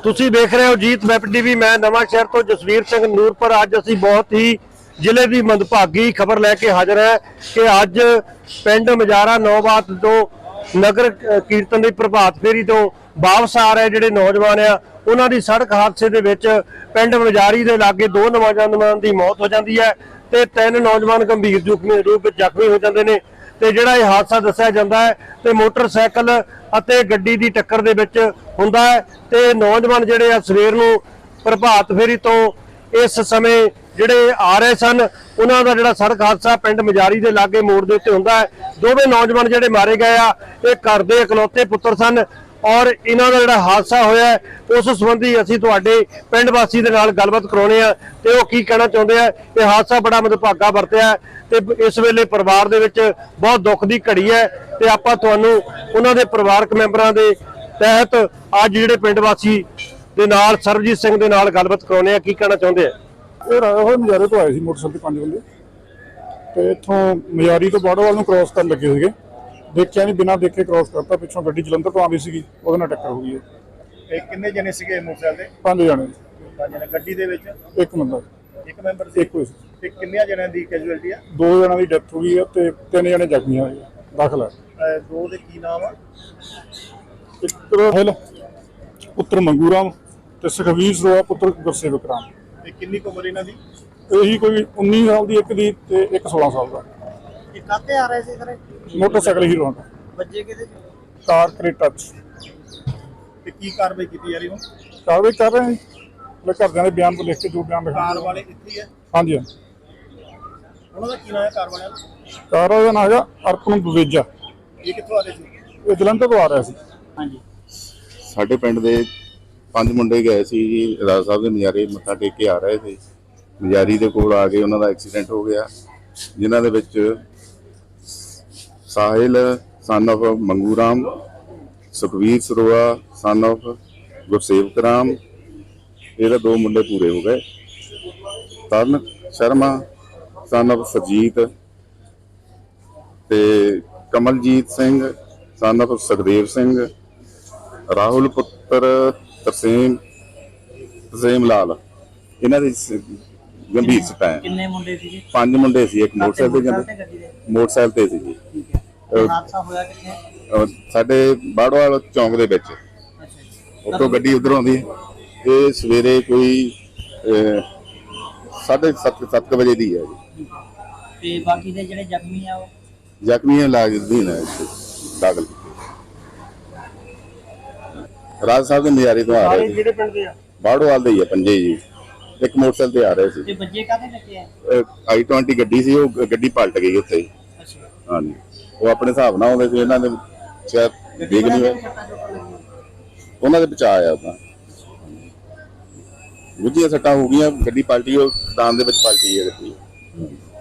ਤੁਸੀਂ ਦੇਖ ਰਹੇ ਹੋ ਜੀਤ ਵੈਬ ਟੀਵੀ। मैं नवां शहर तो जसवीर सिंह नूरपुर। अज असीं बहुत ही जिले की मंदभागी खबर लैके हाजिर है कि अज पिंड मजारा नौबात तो नगर कीर्तन की प्रभात फेरी तो वापस आ रहे जिहड़े नौजवान आ उन्हां दी सड़क हादसे दे विच पिंड मजारी दे लागे 2 नौजवानां दी मौत हो जाती है ते 3 नौजवान गंभीर रूप विच जख्मी हो जाते हैं। ਤੇ ਜਿਹੜਾ ਇਹ ਹਾਦਸਾ ਦੱਸਿਆ ਜਾਂਦਾ ਹੈ ਤੇ ਮੋਟਰਸਾਈਕਲ ਅਤੇ ਗੱਡੀ ਦੀ ਟੱਕਰ ਦੇ ਵਿੱਚ ਹੁੰਦਾ ਹੈ ਤੇ ਨੌਜਵਾਨ ਜਿਹੜੇ ਆ ਸਵੇਰ ਨੂੰ ਪ੍ਰਭਾਤ ਫੇਰੀ ਤੋਂ ਇਸ ਸਮੇਂ ਜਿਹੜੇ ਆ ਰਹੇ ਸਨ ਉਹਨਾਂ ਦਾ ਜਿਹੜਾ ਸੜਕ ਹਾਦਸਾ ਪਿੰਡ ਮਜਾਰੀ ਦੇ ਲਾਗੇ ਮੋੜ ਦੇ ਉੱਤੇ ਹੁੰਦਾ ਹੈ। ਦੋਵੇਂ ਨੌਜਵਾਨ ਜਿਹੜੇ ਮਾਰੇ ਗਏ ਆ ਇਹ ਘਰ ਦੇ ਇਕਲੌਤੇ ਪੁੱਤਰ ਸਨ और इन्हों का जो हादसा होया उस संबंधी असीं तुहाडे पिंड वासी दे नाल गलबात कराउने आ ते वो की कहना चाहुंदे आ। ये हादसा बड़ा मंदभागा वरतिया ते इस वेले परिवार दे विच बहुत दुख दी घड़ी है ते आपां तुहानूं उन्हां दे परिवारक मैंबरां दे तहत अज जिहड़े पिंड वासी दे नाल सरबजीत सिंह दे नाल गलबात कराउने आ। की कहना चाहुंदे आ? ये मजारे तो आए सी मोटरसाइकिल 5 बंदे ते इत्थों मजारी तो बाड़ोवाल नूं क्रॉस करन लगे सीगे। देखिया नहीं बिना देखे क्रॉस करता पिछों गड्डी जलंधर तो आती सी ਉਹਦੇ ਨਾਲ टक्कर हो गई है। किन्ने जने सीगे मोटरसाइकिल ते? 5 जने। 5 जने गड्डी दे विच एक बंदा एक मैंबर सी। एक सी ते किन्ने जने दी कैजुअलिटी है? 2 जणा दी डेथ हो गई है ते 3 जने जख्मी होए दाखल है। दो दे की नाम है? एक राहुल पुत्र मंगूराम ते सुखवीर सरोआ पुत्र गुरसेवक राम। ते किन्नी उम्र इन्हां दी? यही कोई 19 साल दी एक दी ते एक 16 साल दा। ये काते आ रहे थे सर? मोटरसाइकिल हीरो दा बच्चे किते कार क्रेटा ते की कार्रवाई की जा रही हो? कार्रवाई कर रहे हैं मैं घरदियां दे बयान तो लिख के जो बयान लिखा। कार वाले इत्थे ही है? हाँ जी उन्हां दा की नाम है कार वाले दा? कार का नाम है अर्पण बवेजा। ये कित्थों आ रहे थे? ये जलंधर तो आ रहा सी। हाँ जी। ਸਾਡੇ ਪਿੰਡ ਦੇ 5 ਮੁੰਡੇ ਗਏ ਸੀ ਜੀ ਰਾਜਾ ਸਾਹਿਬ ਦੇ ਮਜਾਰੇ ਮੱਥਾ ਟੇਕ ਕੇ ਆ ਰਹੇ ਸੀ। ਮਜਾਰੀ ਦੇ ਕੋਲ ਆ ਕੇ ਉਹਨਾਂ ਦਾ ਐਕਸੀਡੈਂਟ ਹੋ ਗਿਆ ਜਿਨ੍ਹਾਂ ਦੇ ਵਿੱਚ Sahil son of Mangu Ram, Sukhvir Saroa son of Gursewak Ram, ये 2 मुंडे पूरे हो गए। तरण शर्मा सन ऑफ सरजीत ते कमलजीत सिंह सन ऑफ सुखदेव सिंह, राहुल पुत्र तरसेम लाल, इन्हां दी गंभीर सट्टां है। किन्ने मुंडे सी? 5 मुंडे सी। एक मोटरसाइकिल ते सी जी। हादसा होया कित्थे? ਸਾਡੇ ਬਾੜਵਾਲ ਚੌਂਕ ਦੇ ਵਿੱਚ ਉੱਥੋਂ ਗੱਡੀ ਉਧਰੋਂ ਆਉਂਦੀ ਇਹ ਸਵੇਰੇ ਕੋਈ 7:30 ਵਜੇ ਦੀ ਹੈ ਜੀ। ਤੇ ਬਾਕੀ ਦੇ ਜਿਹੜੇ ਜ਼ਖਮੀ ਆ ਉਹ ਜ਼ਖਮੀ ਇਲਾਜ ਅਧੀਨ ਹੈ ਦਾਖਲ ਰਾਜ ਸਾਹਿਬ ਦੇ ਨਜ਼ਾਰੇ ਤੋਂ ਆ ਰਹੇ ਸੀ। ਜਿਹੜੇ ਪਿੰਡ ਦੇ ਆ ਬਾੜਵਾਲ ਦੇ ਹੀ ਆ ਪੰਜੇ ਜੀ। ਇੱਕ ਮੋਟਰਸਾਈਕਲ ਤੇ ਆ ਰਹੇ ਸੀ ਤੇ ਬੱਚੇ ਕਾਹਦੇ ਲੱਗੇ ਆ? i20 ਗੱਡੀ ਸੀ, ਉਹ ਗੱਡੀ ਪਲਟ ਗਈ ਉੱਥੇ ਹੀ। ਅੱਛਾ। ਹਾਂਜੀ ਉਹ ਆਪਣੇ ਹਿਸਾਬ ਨਾਲ ਆਉਂਦੇ ਸੀ, ਇਹਨਾਂ ਦੇ ਸ਼ਾਇਦ ਦੇਖ ਨਹੀਂ ਹੋਇਆ ਉਹਨਾਂ ਦੇ ਬਚਾ ਆਇਆ ਤਾਂ ਗੁੱਝੀਆਂ ਸੱਟਾਂ ਹੋ ਗਈਆਂ। ਗੱਡੀ ਪਲਟੀ, ਉਹ ਖਦਾਨ ਦੇ ਵਿੱਚ ਪਲਟੀ ਹੈ ਗੱਡੀ।